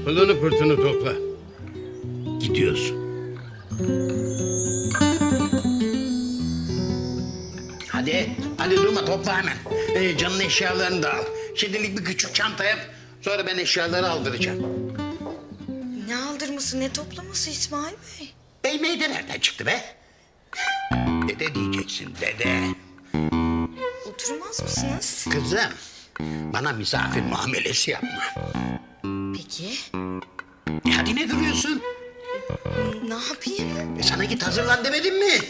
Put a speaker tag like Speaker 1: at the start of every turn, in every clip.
Speaker 1: Pılını pırtını topla. Gidiyorsun. Hadi durma, topla hemen. Canın eşyalarını da al. Şimdilik bir küçük çanta yap. Sonra ben eşyaları aldıracağım.
Speaker 2: Ne aldırması, ne toplaması İsmail Bey?
Speaker 1: Bey meyde nereden çıktı be? Dede diyeceksin, dede.
Speaker 2: Oturmaz mısınız?
Speaker 1: Kızım, bana misafir muamelesi yapma.
Speaker 2: Peki.
Speaker 1: Hadi ne duruyorsun?
Speaker 2: Ne yapayım?
Speaker 1: Sana git hazırlan demedim mi?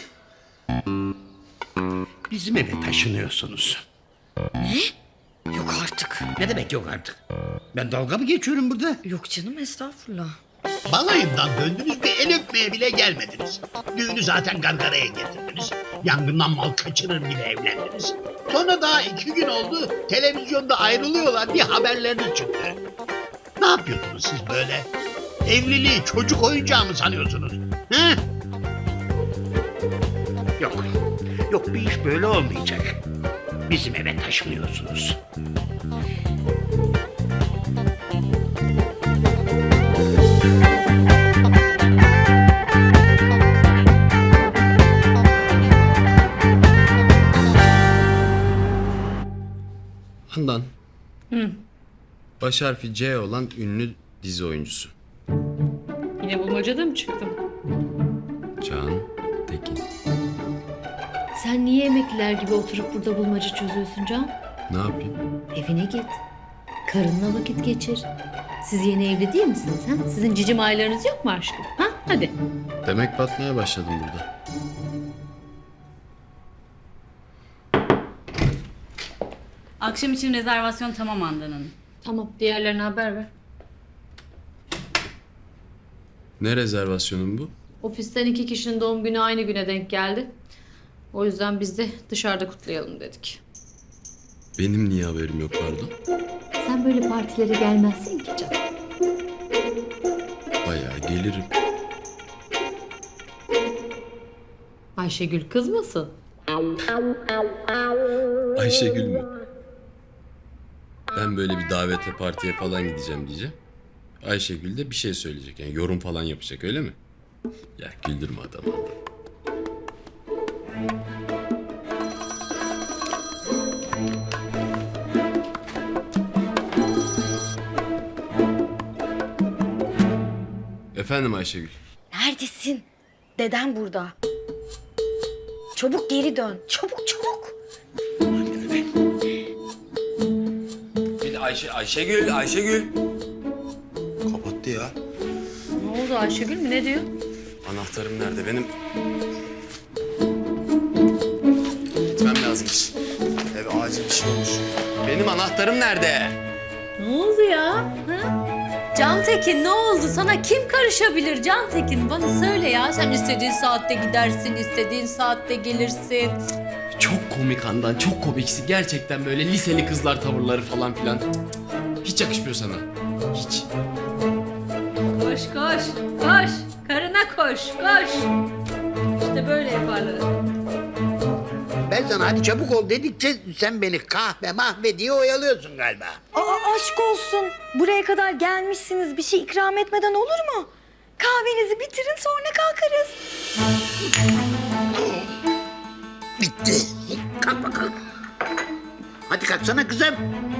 Speaker 1: Bizim eve taşınıyorsunuz.
Speaker 2: Ne? Yok artık.
Speaker 1: Ne demek yok artık? Ben dalga mı geçiyorum burada?
Speaker 2: Yok canım, estağfurullah.
Speaker 3: Balayından döndünüz, bir el öpmeye bile gelmediniz. Düğünü zaten gargaraya getirdiniz. Yangından mal kaçırır bile evlendiniz. Sonra daha 2 gün oldu, televizyonda ayrılıyorlar diye haberleriniz çıktı. Ne yapıyordunuz siz böyle? Evliliği çocuk oyuncağı mı sanıyorsunuz? He?
Speaker 1: Yok. Yok, bir iş böyle olmayacak. Bizim eve taşınıyorsunuz.
Speaker 4: Handan. Baş harfi C olan ünlü dizi oyuncusu.
Speaker 5: Yine bulmacada mı çıktım?
Speaker 4: Can Tekin.
Speaker 6: Sen niye emekliler gibi oturup burada bulmaca çözüyorsun Can?
Speaker 4: Ne yapayım?
Speaker 6: Evine git. Karınla vakit geçir. Siz yeni evli değil misiniz? Ha? Sizin cicim aylarınız yok mu aşkım? Ha? Hadi.
Speaker 4: Demek batmaya başladım burada.
Speaker 5: Akşam için rezervasyon tamam Handan Hanım.
Speaker 6: Tamam, diğerlerine haber ver.
Speaker 4: Ne rezervasyonun bu?
Speaker 6: Ofisten 2 kişinin doğum günü aynı güne denk geldi. O yüzden biz de dışarıda kutlayalım dedik.
Speaker 4: Benim niye haberim yok pardon?
Speaker 6: Sen böyle partilere gelmezsin ki Can.
Speaker 4: Bayağı gelirim.
Speaker 6: Ayşegül kızmasın.
Speaker 4: Ayşegül mü? Ben böyle bir davete partiye falan gideceğim diyeceğim. Ayşegül de bir şey söyleyecek, yani yorum falan yapacak, öyle mi? Ya güldürme adamı. Efendim Ayşegül.
Speaker 2: Neredesin? Deden burada. Çabuk geri dön. Çabuk çabuk.
Speaker 4: Bir de Ayşegül. Kapattı ya.
Speaker 6: Ne oldu, Ayşegül mü? Ne diyor?
Speaker 4: Anahtarım nerede benim? Gitmem lazımmış. Eve acil bir şey olmuş. Benim anahtarım nerede?
Speaker 6: Ne oldu ya? Ha? Cantekin ne oldu? Sana kim karışabilir Cantekin? Bana söyle ya. Sen istediğin saatte gidersin, istediğin saatte gelirsin.
Speaker 4: Çok komik Handan, çok komiksin. Gerçekten böyle liseli kızlar tavırları falan filan. Hiç yakışmıyor sana. Hiç.
Speaker 6: Koş koş koş. Karına koş koş. İşte böyle yaparlar.
Speaker 1: Ben sana hadi çabuk ol dedikçe sen beni kahve mahve diye oyalıyorsun galiba.
Speaker 2: Aa, aşk olsun. Buraya kadar gelmişsiniz. Bir şey ikram etmeden olur mu? Kahvenizi bitirin, sonra kalkarız.
Speaker 1: Bitti. Kalk bakalım. Hadi kalksana kızım.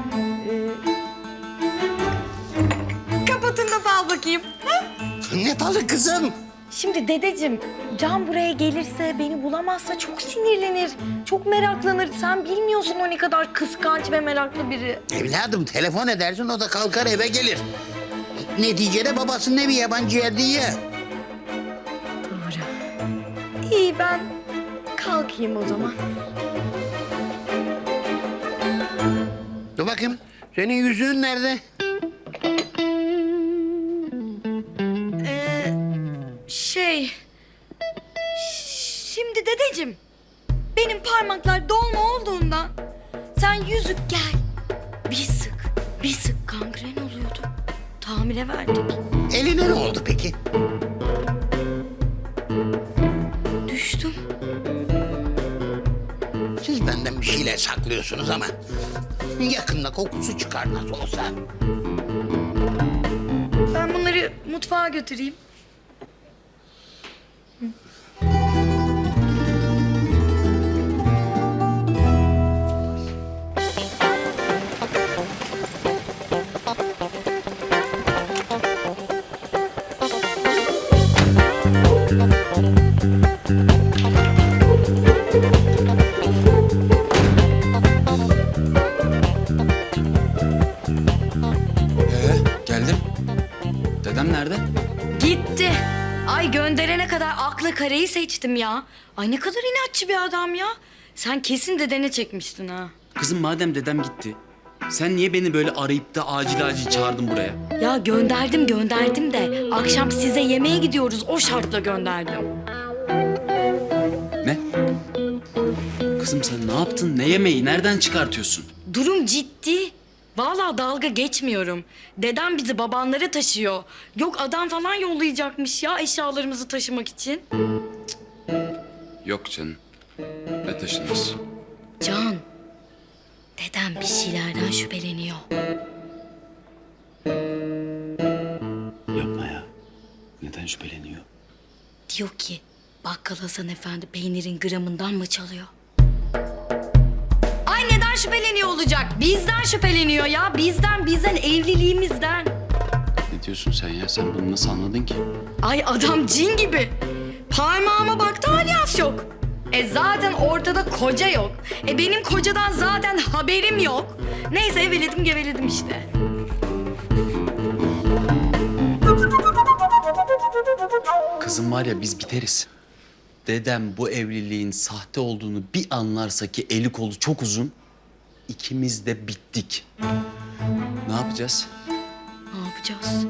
Speaker 2: Kapatın da fal bakayım. Ha?
Speaker 1: Ne falı kızım?
Speaker 2: Şimdi dedeciğim, Can buraya gelirse, beni bulamazsa çok sinirlenir. Çok meraklanır. Sen bilmiyorsun o ne kadar kıskanç ve meraklı biri.
Speaker 1: Evladım telefon edersin, o da kalkar eve gelir. Neticede babasının evi, yabancı yer değil ya.
Speaker 2: Doğru. İyi, ben kalkayım o zaman.
Speaker 1: Dur bakayım. Senin yüzüğün nerede?
Speaker 2: Şimdi dedeciğim, benim parmaklar dolma olduğundan sen yüzük gel. Bir sık kangren oluyordu. Tamire verdik.
Speaker 1: Eline ne oldu peki?
Speaker 2: Düştüm.
Speaker 1: Siz benden bir şeyler saklıyorsunuz ama yakında kokusu çıkar nasıl olsa.
Speaker 2: Ben bunları mutfağa götüreyim.
Speaker 7: Geldim. Dedem nerede?
Speaker 2: Gitti. Ay gönderene kadar akla kareyi seçtim ya. Ay ne kadar inatçı bir adam ya. Sen kesin dedene çekmiştin ha.
Speaker 7: Kızım madem dedem gitti. Sen niye beni böyle arayıp da acil çağırdın buraya?
Speaker 2: Ya gönderdim de akşam size yemeğe gidiyoruz o şartla gönderdim.
Speaker 7: Ne? Kızım sen ne yaptın? Ne yemeği? Nereden çıkartıyorsun?
Speaker 2: Durum ciddi. Vallahi dalga geçmiyorum. Dedem bizi babanlara taşıyor. Yok adam falan yollayacakmış ya eşyalarımızı taşımak için.
Speaker 7: Yok canım. Ne taşınız?
Speaker 2: Can, dedem bir şeylerden şüpheleniyor.
Speaker 7: Yapma ya. Neden şüpheleniyor?
Speaker 2: Diyor ki bakkal Hasan Efendi peynirin gramından mı çalıyor? Ay neden şüpheleniyor olacak? Bizden şüpheleniyor ya. Bizden evliliğimizden.
Speaker 7: Ne diyorsun sen ya? Sen bunu nasıl anladın ki?
Speaker 2: Ay adam cin gibi. Parmağıma baktı alyans yok. Zaten ortada koca yok. Benim kocadan zaten haberim yok. Neyse eveledim geveledim işte.
Speaker 7: Kızım var ya biz biteriz. Dedem bu evliliğin sahte olduğunu bir anlarsa ki eli kolu çok uzun, ikimiz de bittik. Ne yapacağız?
Speaker 2: Ne yapacağız?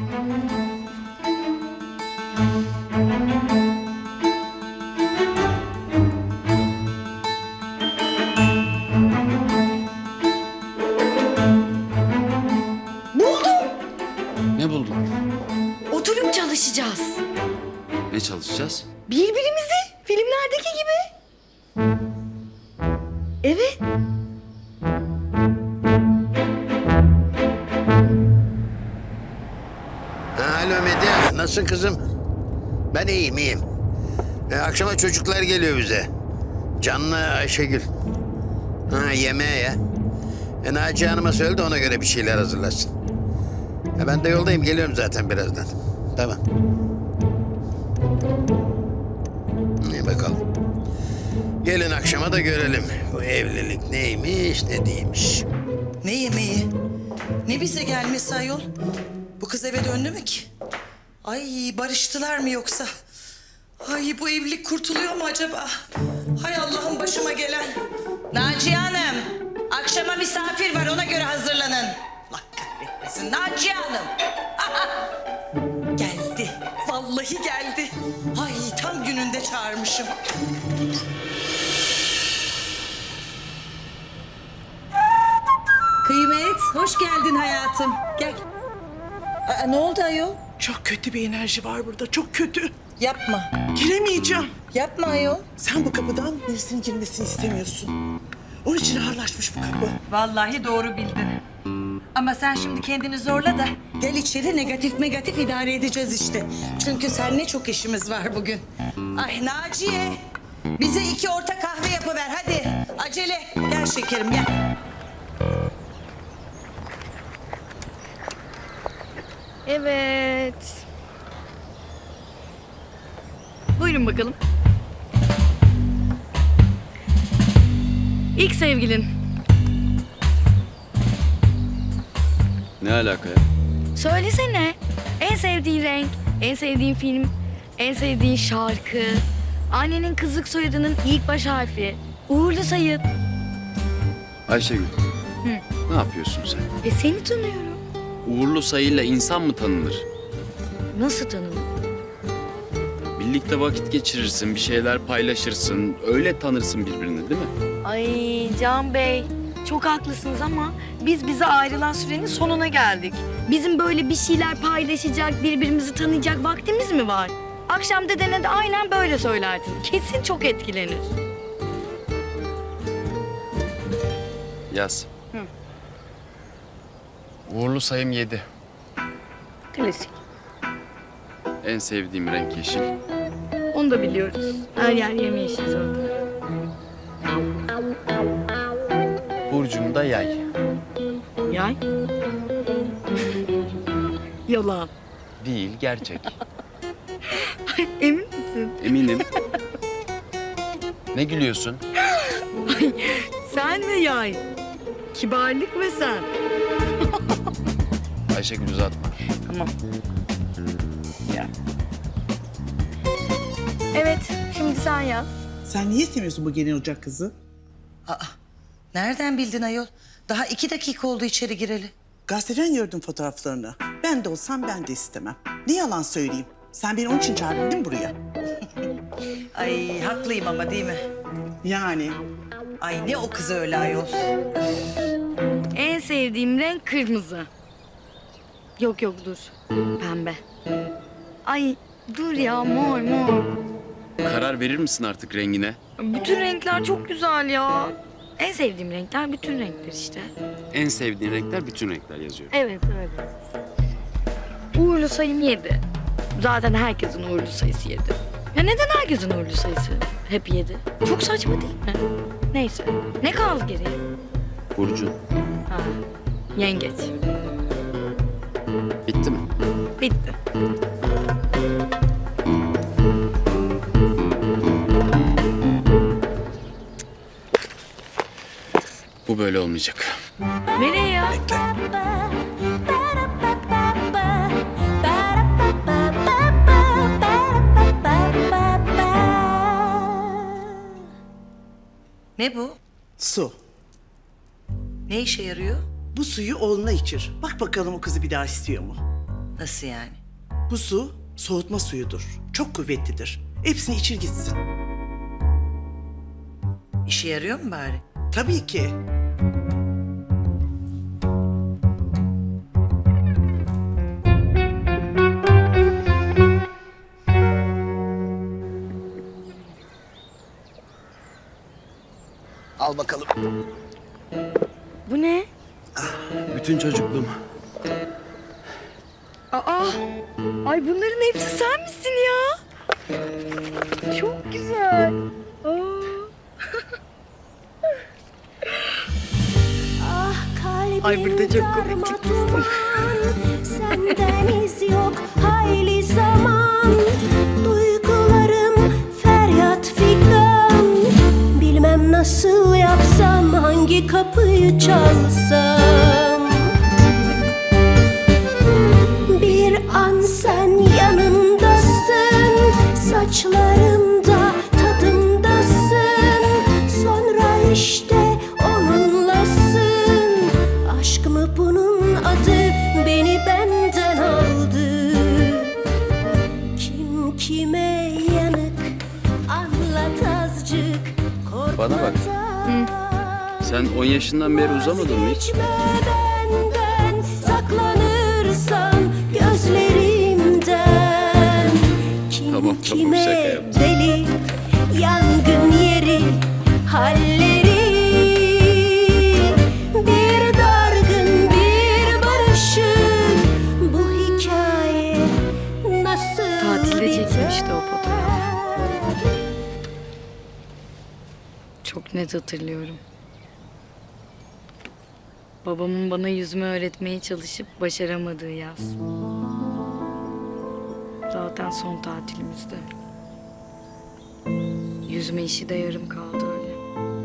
Speaker 7: Ne buldun?
Speaker 2: Oturup çalışacağız.
Speaker 7: Ne çalışacağız?
Speaker 2: Birbirimizi filmlerdeki gibi. Evet.
Speaker 1: Alo Medya, nasılsın kızım? Ben iyiyim. Akşama çocuklar geliyor bize. Can'la Ayşegül. Yemeğe ya. Naciye Hanım'a söyle de ona göre bir şeyler hazırlasın. Ben de yoldayım, geliyorum zaten birazdan. Tamam. İyi bakalım. Gelin akşama da görelim. Bu evlilik neymiş, ne değilmiş.
Speaker 8: Ne yemeği? Ne bize gelmesi ayol? Bu kız eve döndü mü ki? Ay barıştılar mı yoksa? Ay bu evlilik kurtuluyor mu acaba? Hay Allah'ım başıma gelen. Naciye Hanım, akşama misafir var ona göre hazırlanın. Allah kahretmesin Naciye Hanım. Geldi, vallahi geldi. Ay tam gününde çağırmışım. Kıymet, hoş geldin hayatım. Gel. Ne oldu ayol?
Speaker 9: Çok kötü bir enerji var burada, çok kötü.
Speaker 8: Yapma.
Speaker 9: Giremeyeceğim.
Speaker 8: Yapma ayol.
Speaker 9: Sen bu kapıdan birisinin girmesini istemiyorsun. Onun için ağırlaşmış bu kapı.
Speaker 8: Vallahi doğru bildin. Ama sen şimdi kendini zorla da gel içeri negatif idare edeceğiz işte. Çünkü seninle çok işimiz var bugün. Ay Naciye, bize 2 orta kahve yapıver hadi. Acele. Gel şekerim gel.
Speaker 2: Evet. Buyurun bakalım. İlk sevgilin.
Speaker 7: Ne alaka ya?
Speaker 2: Söylesene. En sevdiğin renk, en sevdiğin film, en sevdiğin şarkı, annenin kızlık soyadının ilk baş harfi, uğurlu sayı.
Speaker 7: Ayşegül. Ne yapıyorsun sen?
Speaker 2: Seni tanıyorum.
Speaker 7: Uğurlu sayıyla insan mı tanınır?
Speaker 2: Nasıl tanıdın?
Speaker 7: Birlikte vakit geçirirsin, bir şeyler paylaşırsın. Öyle tanırsın birbirini değil mi?
Speaker 2: Ay Can Bey, çok haklısınız ama biz bize ayrılan sürenin sonuna geldik. Bizim böyle bir şeyler paylaşacak, birbirimizi tanıyacak vaktimiz mi var? Akşam dedene de aynen böyle söylersin. Kesin çok etkilenir.
Speaker 7: Yaz. Uğurlu sayım 7.
Speaker 2: Klasik.
Speaker 7: En sevdiğim renk yeşil.
Speaker 2: Onu da biliyoruz. Her yer yemyeşil zaten.
Speaker 7: Burcum da yay.
Speaker 2: Yay. Yalan.
Speaker 7: Değil, gerçek.
Speaker 2: Emin misin?
Speaker 7: Eminim. Ne gülüyorsun?
Speaker 2: Sen ve yay. Kibarlık ve sen.
Speaker 7: Ayşegül uzatma.
Speaker 2: Tamam. Ya. Evet, şimdi sen yaz.
Speaker 9: Sen niye istemiyorsun bu genel ocak kızı?
Speaker 8: Aa, nereden bildin ayol? Daha 2 dakika oldu içeri gireli.
Speaker 9: Gazeteden gördüm fotoğraflarını. Ben de olsam ben de istemem. Ne yalan söyleyeyim. Sen beni onun için çağırdın değil mi buraya?
Speaker 8: Ay haklıyım ama değil mi?
Speaker 9: Yani
Speaker 8: Ay ne o kız öyle ayol.
Speaker 2: En sevdiğim renk kırmızı. Yok yok dur. Pembe. Ay dur ya mor mor.
Speaker 7: Karar verir misin artık rengine?
Speaker 2: Bütün renkler çok güzel ya. En sevdiğim renkler bütün renkler işte.
Speaker 7: En sevdiğin renkler bütün renkler yazıyorum.
Speaker 2: Evet evet. Uğurlu sayım 7. Zaten herkesin uğurlu sayısı 7. Ya neden herkesin uğurlu sayısı hep 7? Çok saçma değil mi? Neyse. Ne kaldı geriye?
Speaker 7: Burcun.
Speaker 2: Ha, yengeç.
Speaker 7: Bitti mi?
Speaker 2: Bitti.
Speaker 7: Bu böyle olmayacak.
Speaker 2: Nereye ya?
Speaker 8: Ne bu?
Speaker 9: su.
Speaker 8: Ne işe yarıyor?
Speaker 9: Bu suyu oğluna içir. Bak bakalım o kızı bir daha istiyor mu?
Speaker 8: Nasıl yani?
Speaker 9: Bu su soğutma suyudur. Çok kuvvetlidir. Hepsini içir gitsin.
Speaker 8: İşe yarıyor mu bari?
Speaker 9: Tabii ki.
Speaker 1: Al bakalım.
Speaker 2: Bu ne?
Speaker 7: Bütün çocukluğum.
Speaker 2: Aa! Ay bunların hepsi sen misin ya? Çok güzel. Ay burada çok komik çıkmışsın.
Speaker 10: Senden iz yok hayli zaman. Duygularım feryat figan. Bilmem nasıl yapsam, hangi kapıyı çalsam. Bir an sen yanımdasın, saçlarımda tadımdasın. Sonra işte onunlasın. Aşk mı bunun adı, beni benden aldı. Kim kime yanık, anlat azıcık.
Speaker 7: Bana bak. Sen 10 yaşından beri uzamadın mı hiç?
Speaker 10: Vazgeçme benden, saklanırsan gözlerimden. Kim
Speaker 7: Tamam,
Speaker 10: kime
Speaker 7: şaka yaptım.
Speaker 10: deli, yangın yeri, halleri. Bir dargın, bir barışık, bu hikaye nasıl
Speaker 2: Tatilde
Speaker 10: biter?
Speaker 2: çekilmişti o fotoğraf. Çok net hatırlıyorum. Babamın bana yüzme öğretmeye çalışıp başaramadığı yaz. Zaten son tatilimizde. Yüzme işi de yarım kaldı öyle.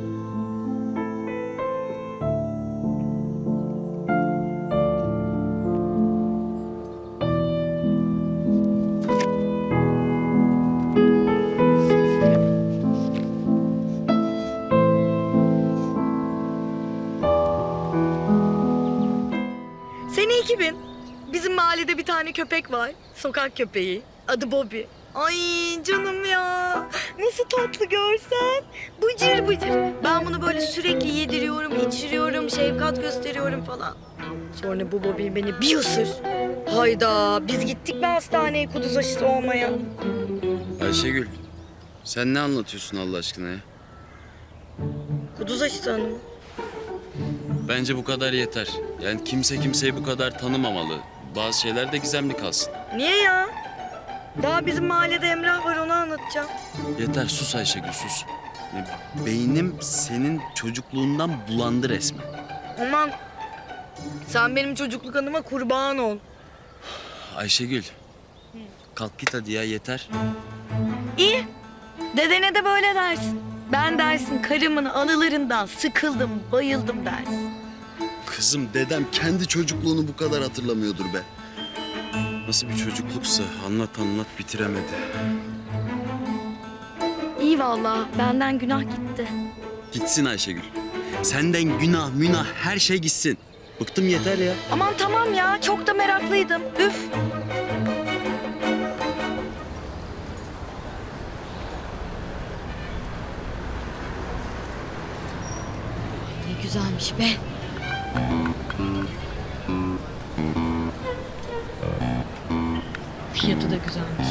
Speaker 2: Sene 2000. Bizim mahallede bir tane köpek var. Sokak köpeği. Adı Bobby. Ay canım ya. Nasıl tatlı görsen. Bıcır bıcır. Ben bunu böyle sürekli yediriyorum, içiriyorum, şefkat gösteriyorum falan. Sonra bu Bobby beni bir ısır. Hayda, biz gittik mi hastaneye kuduz aşısı olmaya?
Speaker 7: Ayşegül, sen ne anlatıyorsun Allah aşkına ya?
Speaker 2: Kuduz aşısı hanım.
Speaker 7: Bence bu kadar yeter. Yani kimse kimseyi bu kadar tanımamalı. Bazı şeyler de gizemli kalsın.
Speaker 2: Niye ya? Daha bizim mahallede Emrah var, onu anlatacağım.
Speaker 7: Yeter sus Ayşegül sus. Ya, beynim senin çocukluğundan bulandı resmen.
Speaker 2: Aman sen benim çocukluk anıma kurban ol.
Speaker 7: Ayşegül. Kalk git hadi ya yeter.
Speaker 2: İyi. Dedene de böyle dersin. Ben dersin karımın anılarından sıkıldım, bayıldım dersin.
Speaker 7: Kızım dedem kendi çocukluğunu bu kadar hatırlamıyordur be. Nasıl bir çocukluksa anlat bitiremedi.
Speaker 2: İyi vallahi, benden günah gitti.
Speaker 7: Gitsin Ayşegül. Senden günah münah her şey gitsin. Bıktım yeter ya.
Speaker 2: Aman tamam ya, çok da meraklıydım. Üf. Ne güzelmiş be. Fiyatı da güzelmiş.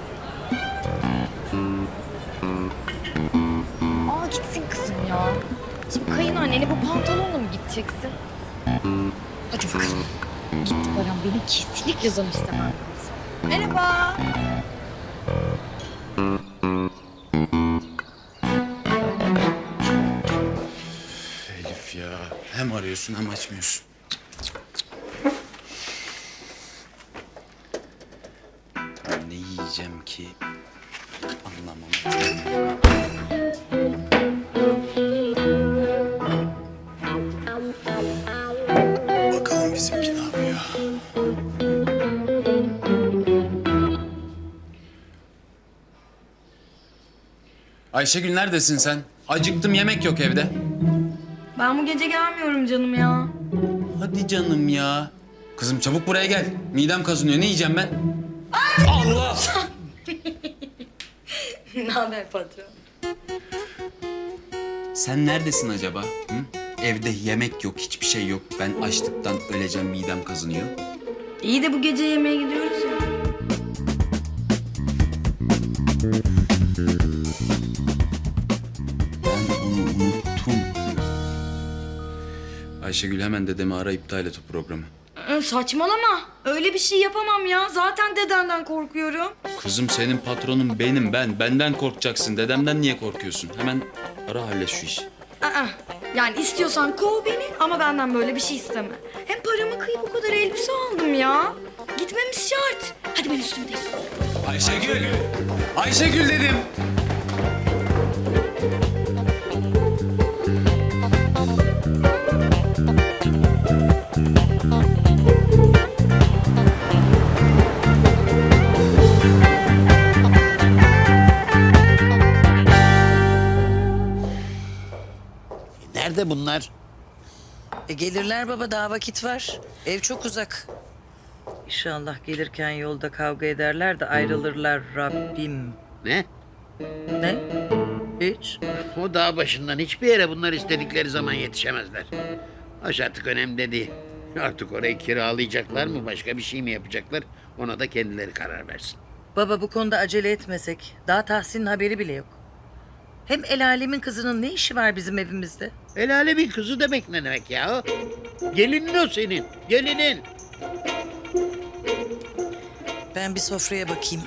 Speaker 2: Aa gitsin kızım ya. Şimdi kayınannene bu pantolonla mı gideceksin? Hadi bakalım. Gitti Baran, benim kesinlikle zam istemem lazım. Merhaba.
Speaker 7: Elif ya. Hem arıyorsun hem açmıyorsun. Ben ne yiyeceğim ki anlamam. Bakalım bizimki ne yapıyor? Ayşegül neredesin sen? Acıktım yemek yok evde.
Speaker 2: Ben bu gece gelmiyorum canım ya.
Speaker 7: Hadi canım ya. Kızım çabuk buraya gel. Midem kazınıyor. Ne yiyeceğim ben? Allah!
Speaker 2: Ne haber patron?
Speaker 7: Sen neredesin acaba? Hı? Evde yemek yok, hiçbir şey yok. Ben açlıktan öleceğim, midem kazınıyor.
Speaker 2: İyi de bu gece yemeğe gidiyoruz ya.
Speaker 7: Ben onu unuttum. Ayşegül hemen dedemi ara iptal et o programı.
Speaker 2: Saçmalama. Öyle bir şey yapamam ya. Zaten dedenden korkuyorum.
Speaker 7: Kızım senin patronun benim, ben. Benden korkacaksın. Dedemden niye korkuyorsun? Hemen ara hallet şu işi.
Speaker 2: Aa, yani istiyorsan kov beni ama benden böyle bir şey isteme. Hem paramı kıyıp o kadar elbise aldım ya. Gitmemiz şart. Hadi ben üstümü değiştireyim.
Speaker 7: Ayşegül! Ayşegül dedim!
Speaker 1: Nerede bunlar?
Speaker 8: Gelirler baba, daha vakit var. Ev çok uzak. İnşallah gelirken yolda kavga ederler de ayrılırlar Rabbim.
Speaker 1: Ne?
Speaker 8: Ne? Hiç.
Speaker 1: O dağ başından hiçbir yere bunlar istedikleri zaman yetişemezler. Hoş artık önemli değil. Artık orayı kiralayacaklar mı, başka bir şey mi yapacaklar? Ona da kendileri karar versin.
Speaker 8: Baba bu konuda acele etmesek. Daha Tahsin'in haberi bile yok. Hem el alemin kızının ne işi var bizim evimizde?
Speaker 1: El alemin kızı demek ne demek ya? Gelinin o senin, gelinin.
Speaker 8: Ben bir sofraya bakayım.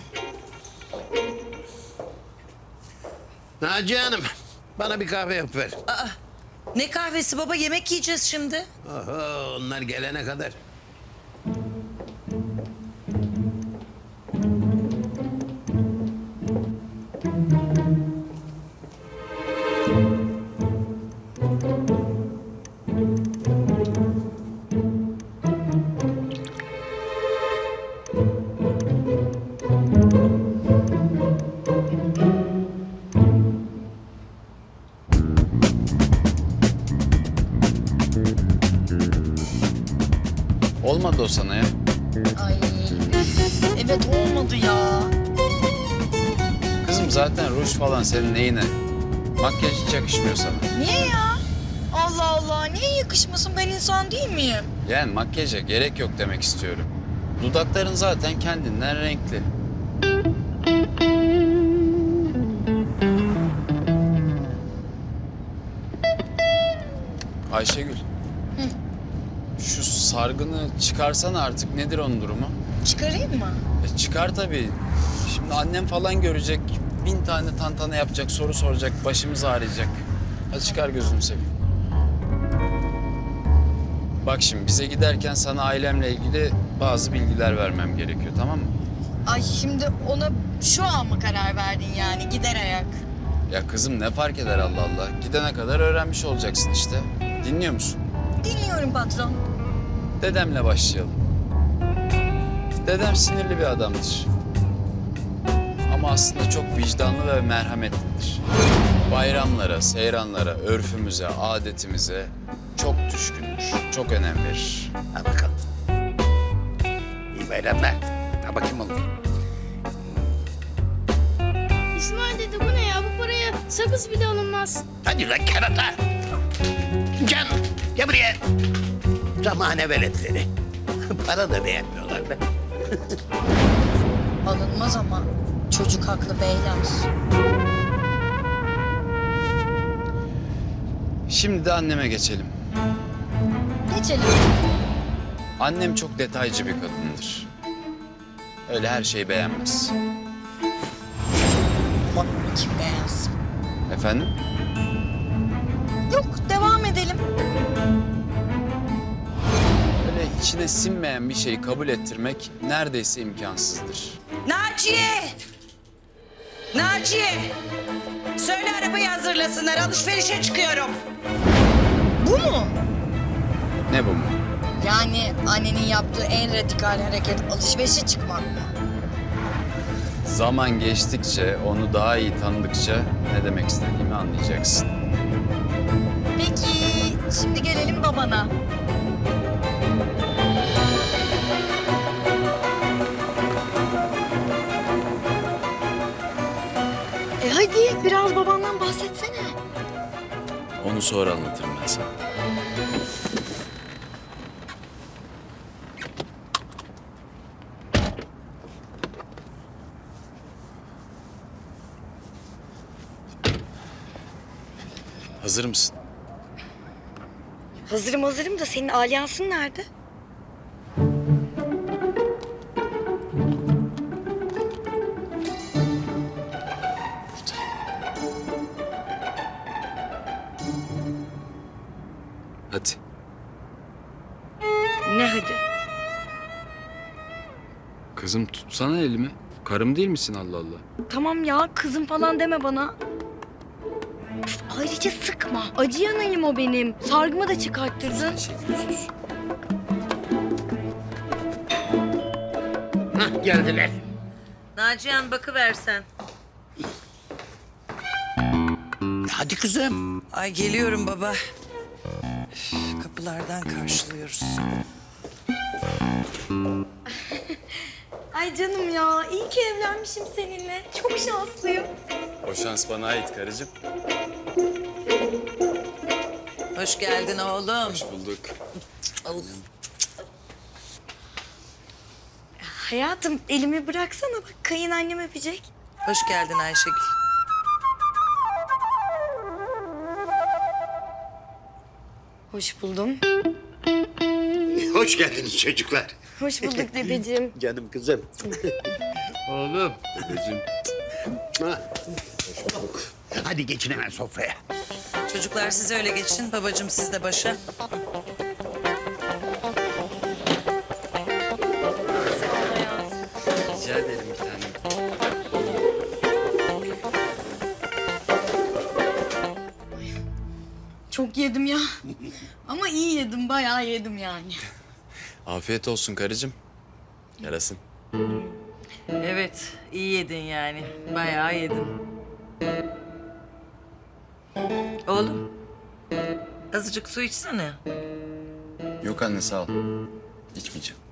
Speaker 1: Naciye Hanım, bana bir kahve yapıver.
Speaker 8: Ne kahvesi baba, yemek yiyeceğiz şimdi.
Speaker 1: Oho, onlar gelene kadar.
Speaker 7: Olmadı o sana ya.
Speaker 2: Ay evet olmadı ya.
Speaker 7: Kızım zaten ruj falan senin neyine? Makyaj hiç yakışmıyor sana.
Speaker 2: Niye ya? Allah Allah, niye yakışmasın, ben insan değil miyim?
Speaker 7: Yani makyaja gerek yok demek istiyorum. Dudakların zaten kendinden renkli. Ayşegül. Şu sargını çıkarsana artık. Nedir onun durumu?
Speaker 2: Çıkarayım mı?
Speaker 7: Çıkar tabii. Şimdi annem falan görecek. 1000 tane tantana yapacak, soru soracak, başımız ağrıyacak. Hadi çıkar gözünü seveyim. Bak şimdi bize giderken sana ailemle ilgili bazı bilgiler vermem gerekiyor, tamam mı?
Speaker 2: Ay şimdi ona şu an mı karar verdin yani gider ayak?
Speaker 7: Ya kızım ne fark eder Allah Allah. Gidene kadar öğrenmiş olacaksın işte. Dinliyor musun?
Speaker 2: Dinliyorum patron.
Speaker 7: Dedemle başlayalım. Dedem sinirli bir adamdır. Ama aslında çok vicdanlı ve merhametlidir. Bayramlara, seyranlara, örfümüze, adetimize çok düşkündür. Çok önem verir.
Speaker 1: Ha bakalım. İyi bayramlar. Ha bakayım oğlum.
Speaker 11: İsmail dede bu ne ya? Bu paraya sakız bile alınmaz.
Speaker 1: Hadi lan kerata. Can, gel buraya. Zamane veletleri. Para da beğenmiyorlar be.
Speaker 2: Alınmaz ama çocuk haklı beyler.
Speaker 7: Şimdi de anneme geçelim.
Speaker 2: Geçelim.
Speaker 7: Annem çok detaycı bir kadındır. Öyle her şeyi beğenmez.
Speaker 2: Ama kim beğensin?
Speaker 7: Efendim?
Speaker 2: Yok devam edelim.
Speaker 7: Öyle içine sinmeyen bir şeyi kabul ettirmek neredeyse imkansızdır.
Speaker 8: Naciye! Naciye! Söyle arabayı hazırlasınlar. Alışverişe çıkıyorum.
Speaker 2: Bu mu?
Speaker 7: Ne bu mu?
Speaker 2: Yani annenin yaptığı en radikal hareket alışverişe çıkmak mı?
Speaker 7: Zaman geçtikçe, onu daha iyi tanıdıkça ne demek istediğimi anlayacaksın.
Speaker 2: Peki şimdi gelelim babana. Hadi biraz babandan bahsetsene.
Speaker 7: Onu sonra anlatırım ben sana. Hazır mısın?
Speaker 2: Hazırım da senin alyansın nerede?
Speaker 7: Hadi.
Speaker 2: Ne hadi?
Speaker 7: Kızım tutsana elimi. Karım değil misin Allah Allah?
Speaker 2: Tamam ya kızım falan deme bana. Üf, ayrıca sıkma. Acıyan elim o benim. Sargımı da çıkarttırdın.
Speaker 7: Sus.
Speaker 1: Hah geldiler.
Speaker 8: Nacihan bakıversen.
Speaker 1: Hadi kızım.
Speaker 8: Ay geliyorum baba. Üf, kapılardan karşılıyoruz.
Speaker 2: Ay canım ya iyi ki evlenmişim seninle. Çok şanslıyım.
Speaker 7: O şans bana ait karıcığım.
Speaker 8: Hoş geldin oğlum.
Speaker 7: Hoş bulduk.
Speaker 2: Hayatım elimi bıraksana bak kayınannem öpecek.
Speaker 8: Hoş geldin Ayşegül.
Speaker 2: Hoş buldum.
Speaker 1: Hoş geldiniz çocuklar.
Speaker 2: Hoş bulduk dedeciğim.
Speaker 1: Canım kızım. Oğlum.
Speaker 7: Dedeciğim.
Speaker 1: Ha. Hadi geçin hemen sofraya.
Speaker 8: Çocuklar siz öyle geçin. Babacığım siz de başa.
Speaker 7: Rica ederim bir tanem.
Speaker 2: Çok yedim ya. Ama iyi yedim bayağı yedim yani.
Speaker 7: Afiyet olsun karıcığım. Yarasın.
Speaker 8: Evet, iyi yedin yani. Bayağı yedin. Oğlum, azıcık su içsene.
Speaker 7: Yok anne sağ ol. İçmeyeceğim.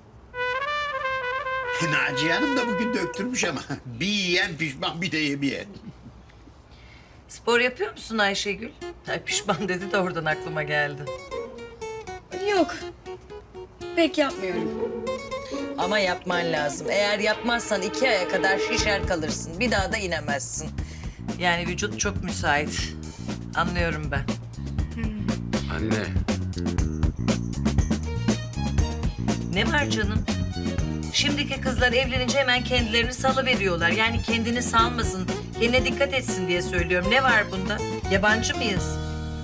Speaker 1: Naciye Hanım da bugün döktürmüş ama. Bir yiyen pişman bir de yemeyen.
Speaker 8: Spor yapıyor musun Ayşegül? Ay pişman dedi de oradan aklıma geldi.
Speaker 2: Yok. Pek yapmıyorum.
Speaker 8: Ama yapman lazım. Eğer yapmazsan 2 aya kadar şişer kalırsın. Bir daha da inemezsin. Yani vücut çok müsait. Anlıyorum ben.
Speaker 4: Anne.
Speaker 8: Ne var canım?
Speaker 12: Şimdiki kızlar evlenince hemen kendilerini salıveriyorlar. Yani kendini salmasın, kendine dikkat etsin diye söylüyorum. Ne var bunda? Yabancı mıyız?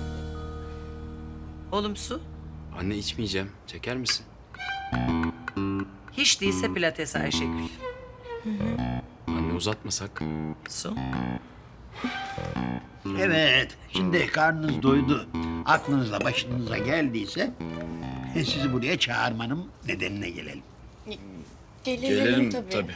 Speaker 12: Oğlum su.
Speaker 7: Anne içmeyeceğim. Çeker misin?
Speaker 12: Hiç değilse pilates Ayşegül.
Speaker 7: Anne uzatmasak.
Speaker 12: Su.
Speaker 3: Evet, şimdi karnınız doydu. Aklınızla başınıza geldiyse sizi buraya çağırmanın nedenine gelelim.
Speaker 7: Gelelim tabii.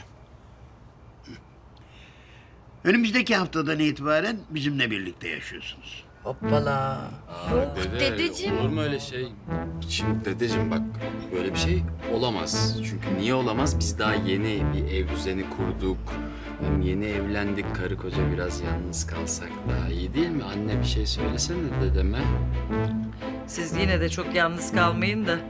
Speaker 3: Önümüzdeki haftadan itibaren bizimle birlikte yaşıyorsunuz.
Speaker 12: Hoppala.
Speaker 2: dedeciğim.
Speaker 4: Olur mu öyle şey? Şimdi dedeciğim bak böyle bir şey olamaz.
Speaker 7: Çünkü niye olamaz? Biz daha yeni bir ev düzeni kurduk. Hem yeni evlendik. Karı koca biraz yalnız kalsak daha iyi değil mi? Anne bir şey söylesene dedeme.
Speaker 12: Siz yine de çok yalnız kalmayın da.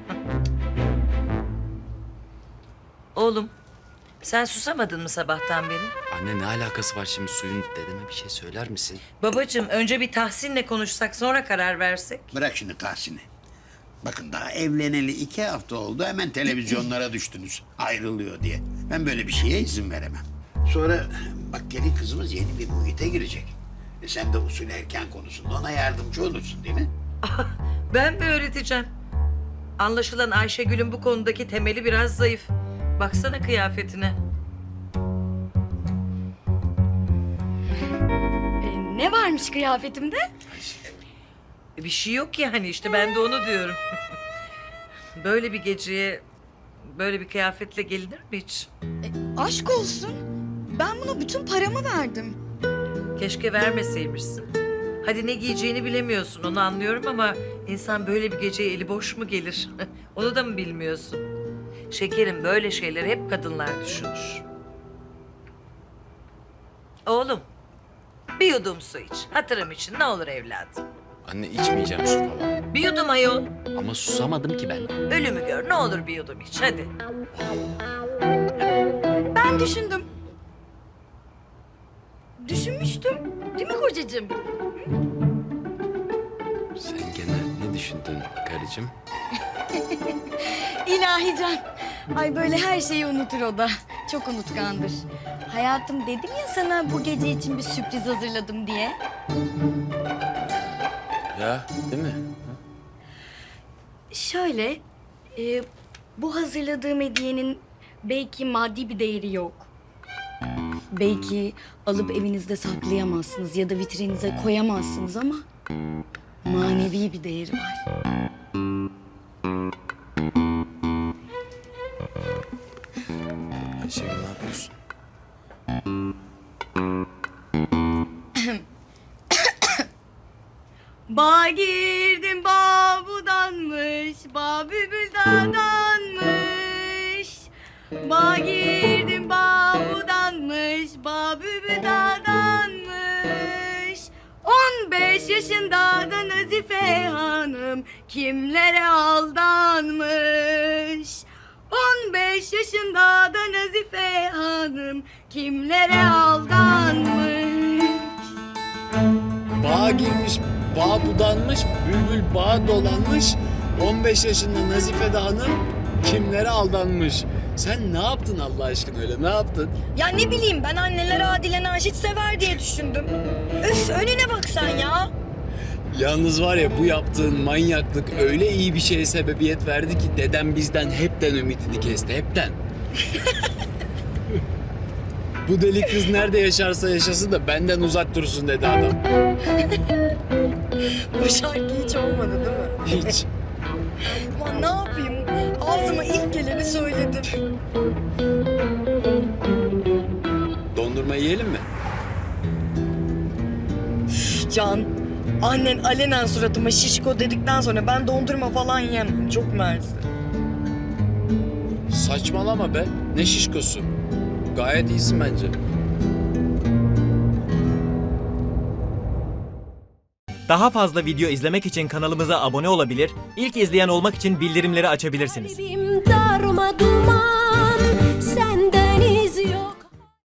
Speaker 12: Oğlum, sen susamadın mı sabahtan beri?
Speaker 7: Anne ne alakası var şimdi suyun? Dedeme bir şey söyler misin?
Speaker 12: Babacığım, önce bir Tahsin'le konuşsak, sonra karar versek.
Speaker 3: Bırak şimdi Tahsin'i. Bakın daha evleneli 2 hafta oldu, hemen televizyonlara düştünüz ayrılıyor diye. Ben böyle bir şeye izin veremem. Sonra bak gelin kızımız yeni bir muhite girecek. Sen de usul erken konusunda ona yardımcı olursun değil mi?
Speaker 12: Ben mi öğreteceğim? Anlaşılan Ayşegül'ün bu konudaki temeli biraz zayıf. Baksana kıyafetine.
Speaker 2: Ne varmış kıyafetimde?
Speaker 12: Bir şey yok yani işte ben de onu diyorum. Böyle bir geceye böyle bir kıyafetle gelinir mi hiç?
Speaker 2: Aşk olsun. Ben buna bütün paramı verdim.
Speaker 12: Keşke vermeseymişsin. Hadi ne giyeceğini bilemiyorsun onu anlıyorum ama insan böyle bir geceye eli boş mu gelir? Onu da mı bilmiyorsun? Şekerim böyle şeyleri hep kadınlar düşünür. Oğlum bir yudum su iç. Hatırım için ne olur evladım.
Speaker 7: Anne içmeyeceğim su falan.
Speaker 12: Bir yudum ayol.
Speaker 7: Ama susamadım ki ben.
Speaker 12: Ölümü gör ne olur bir yudum iç hadi.
Speaker 2: Ben düşündüm. Düşünmüştüm. Değil mi kocacığım?
Speaker 7: Sen gene ne düşündün karıcığım?
Speaker 2: İlahi Can. Ay böyle her şeyi unutur o da. Çok unutkandır. Hayatım dedim ya sana bu gece için bir sürpriz hazırladım diye.
Speaker 7: Ya değil mi?
Speaker 2: Şöyle, bu hazırladığım hediyenin belki maddi bir değeri yok. Belki alıp evinizde saklayamazsınız ya da vitrinize koyamazsınız ama manevi bir değeri var.
Speaker 7: Ayşegül ne yapıyorsun?
Speaker 2: Bağa girdim bağ budanmış, bağ bülbül dağdanmış. Bağa girdim bağ budanmış, bağ bülbül dağdanmış. 15 yaşında da Nazife Hanım kimlere aldanmış. 15 yaşında da Nazife Hanım kimlere aldanmış.
Speaker 13: Bağa girmiş, bağ budanmış, bülbül bağa dolanmış. 15 yaşında Nazife de Hanım kimlere aldanmış. Sen ne yaptın Allah aşkına öyle, ne yaptın?
Speaker 2: Ya ne bileyim ben anneler Adile Naşit sever diye düşündüm. Öf önüne bak sen ya.
Speaker 13: Yalnız var ya bu yaptığın manyaklık öyle iyi bir şeye sebebiyet verdi ki dedem bizden hepten ümidini kesti, hepten. Bu deli kız nerede yaşarsa yaşasın da benden uzak dursun dedi adam.
Speaker 2: Bu şarkı hiç olmadı değil mi?
Speaker 13: Hiç.
Speaker 2: Aman ne yapayım? Ağzıma ilk geleni söyledim.
Speaker 13: Dondurma yiyelim mi?
Speaker 2: Can, annen alenen suratıma şişko dedikten sonra ben dondurma falan yiyemem. Çok mersi.
Speaker 13: Saçmalama be. Ne şişkosu. Gayet iyisin bence.
Speaker 14: Daha fazla video izlemek için kanalımıza abone olabilir, ilk izleyen olmak için bildirimleri açabilirsiniz.
Speaker 10: Darma duman